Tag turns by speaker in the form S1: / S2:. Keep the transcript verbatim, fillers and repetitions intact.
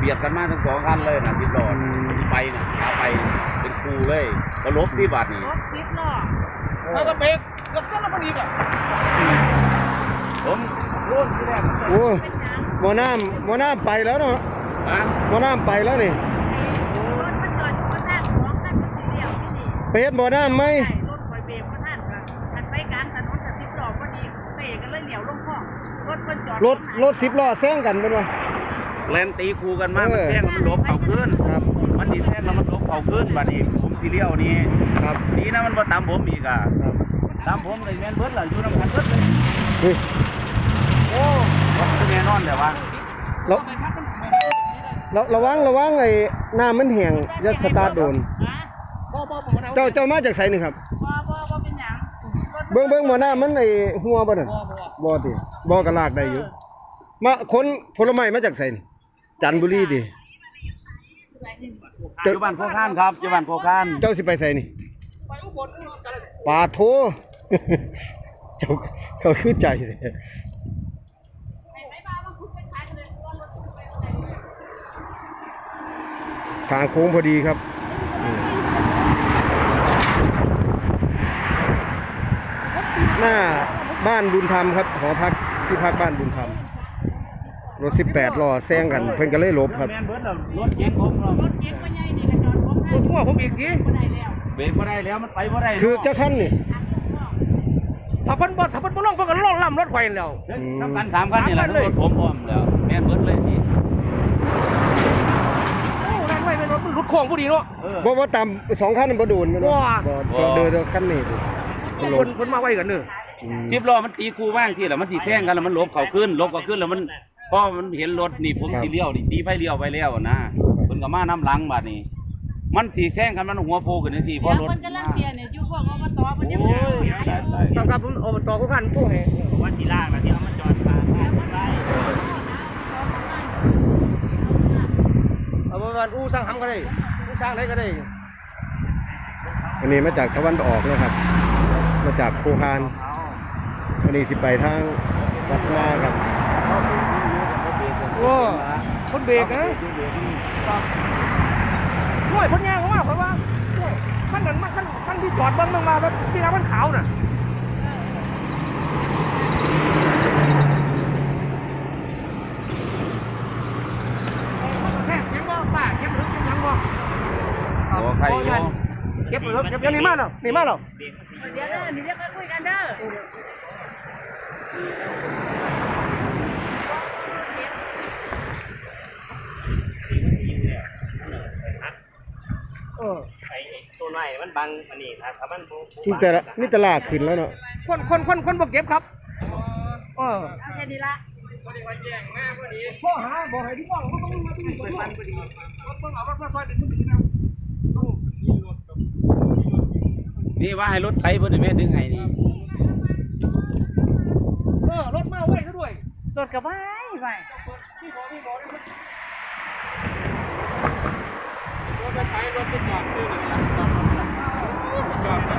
S1: บียดกันมาทั้งสองคันเลยนะสิบล้อไปนะขาไปเป็นครูเลยก็ลบที่บาทนี่
S2: รถสิบล้อแล้วก็เบรกกับเส้นแล้วพอดีอ่ะ
S1: ผมรุ่นที่แรก
S3: โอ้หมอน้ำหมอน้ำไปแล้วเนาะหมอน้ำไปแล้วนี่ไปเฮ็ดหมอน้ำไหม
S2: รถคอยเบรกมาท่านกันทันไปกลางถนนกับสิบล้อพอดีเบรกกันเลยเหลียวลงคลองรถคนจอด
S3: รถรถสิบล้อแซงกันเป็นวะ
S1: แลนตีคูกันมากมันแซงมันลบเข่าขึ้น
S3: ครับ
S1: มันดีแซงแล้วมันลบเข่าขึ้นบาดนี้ผมซีเรียลนี้
S3: ครับ
S1: นี่นะมันมาตามผมอีกอ่ะตามผมเลยแมนเบิร์ดหล่ะอยู่น้ำกันเบิร์ดเลยโอ้รถแน่นอนแต่ว่า
S3: เราเราระวังระวังไอ้น้ำมันแห้งยัดสตาร์ทโดนเจ้าเจ้ามาจากไสนี่ครับเบิ้งเบิ้งหมอน้ำมันไอ้หัวบ่นั่นบ่ติบ่กระลากได้อยู่มาคนผลไม้มาจากไสนี่จันทบุรีดิ
S1: อยู่บ้านโพคานครับอยู่บ้านโพคาน
S3: เจ้าสิไปไสนี่ป่าโทเจ้าเขาคือใจเลยทางโค้งพอดีครับหน้าบ้านบุญธรรมครับหอพักที่พักบ้านบุญธรรมรถสิบแปดล้อแซงกันเพิ่นก็เลยหลบครับ
S1: รถเก๋งผมรถเก๋งก็ใหญ่นี่กระจอดผมรถพ่วงผมอีกทีเบรกไม่ได้แล้วมันไปไม่ได้
S3: คือเจ้าท่านนี่
S2: ถ้าเพิ่นบ่ถ้าเพิ่นบ่ลงเพิ่นก็ล่องล่ำรถไฟแล้ว
S1: น้ำกันสามคันนี่แหละรถผมพร้อมแล้วแม่นเบิดเลยที่
S2: โอ้นั่นไว้เป็นรถมันรถโค้งพอดีเนาะ
S3: บ่บ่ต่ำสองคันบ่โดนบ่บ่เดินคันนี้
S2: เพิ่นเพิ่นมาไว้กันเด้อ
S1: สิบล้อมันตีคูบ้างที่แล้วมันสิแซงกันแล้วมันลบเข้าขึ้นลบเข้าขึ้นแล้วมันพอมันเห็นรถนี่ผมสิเลี้ยวนี่ตีไฟเลี้ยวไปแล้วนะเพิ่นก็มาน้ำหลังบาดนี้มันสิแซงกันมันหัวโผล่ขึ้นทีเพราะรถ
S2: มันกำลังเสียเนี่ยอยู่พวกอบตเพิ่นยังบ่ต้องกับอบตผู้พันผู้ให้ว่าสิลากแล้วที่เอามันจอดปาดไปเอาบ่ว่าอู้สร้างหำก็ได้อู้สร้างได้ก็ได้
S3: อันนี้มาจากตะวันออกนะครับมาจากโคคานอันนี้สิไปทางวัดนาครับ
S2: โอ้คนเบรกนะด้วยคนแย่เขาว่าเพราะว่าขั้นนั้นขั้นขั้นที่จอดบ้างบ้างมาแล้วที่น้ำมันขาวน่ะแค่ยังบ่ป้าเก็บหรือเก็บยังบ่
S1: โอ้ใคร
S2: เก็บหรือเก็บยังนี่มาเนาะนี่มาเนาะเดี๋ยวเด้อนี่เดี๋ยวคุยกันเด้อ
S4: เออไอ้ตัวไหนมันบังอันนี้ครับถ้ามัน
S3: นี่แต่ละนี่ตลาดขึ้นแล้วเนาะ
S2: คนคนคนคนบอกเก็บครับเออแค่นี้ละพ่อหาบอกให้ที่บ้านเขาต้องมาดูบ้านพอดีรถเพิ่งเอารถมาซอยเด็ก
S1: นี่ว่าให้รถไถเพิ่นแม่ดึงให้นี่
S2: เออรถมาไว้ซะด้วย
S5: รถกระบะไว้
S2: ที่บอกที่บอกรถไปรถไปจอดซื้อเลยจอด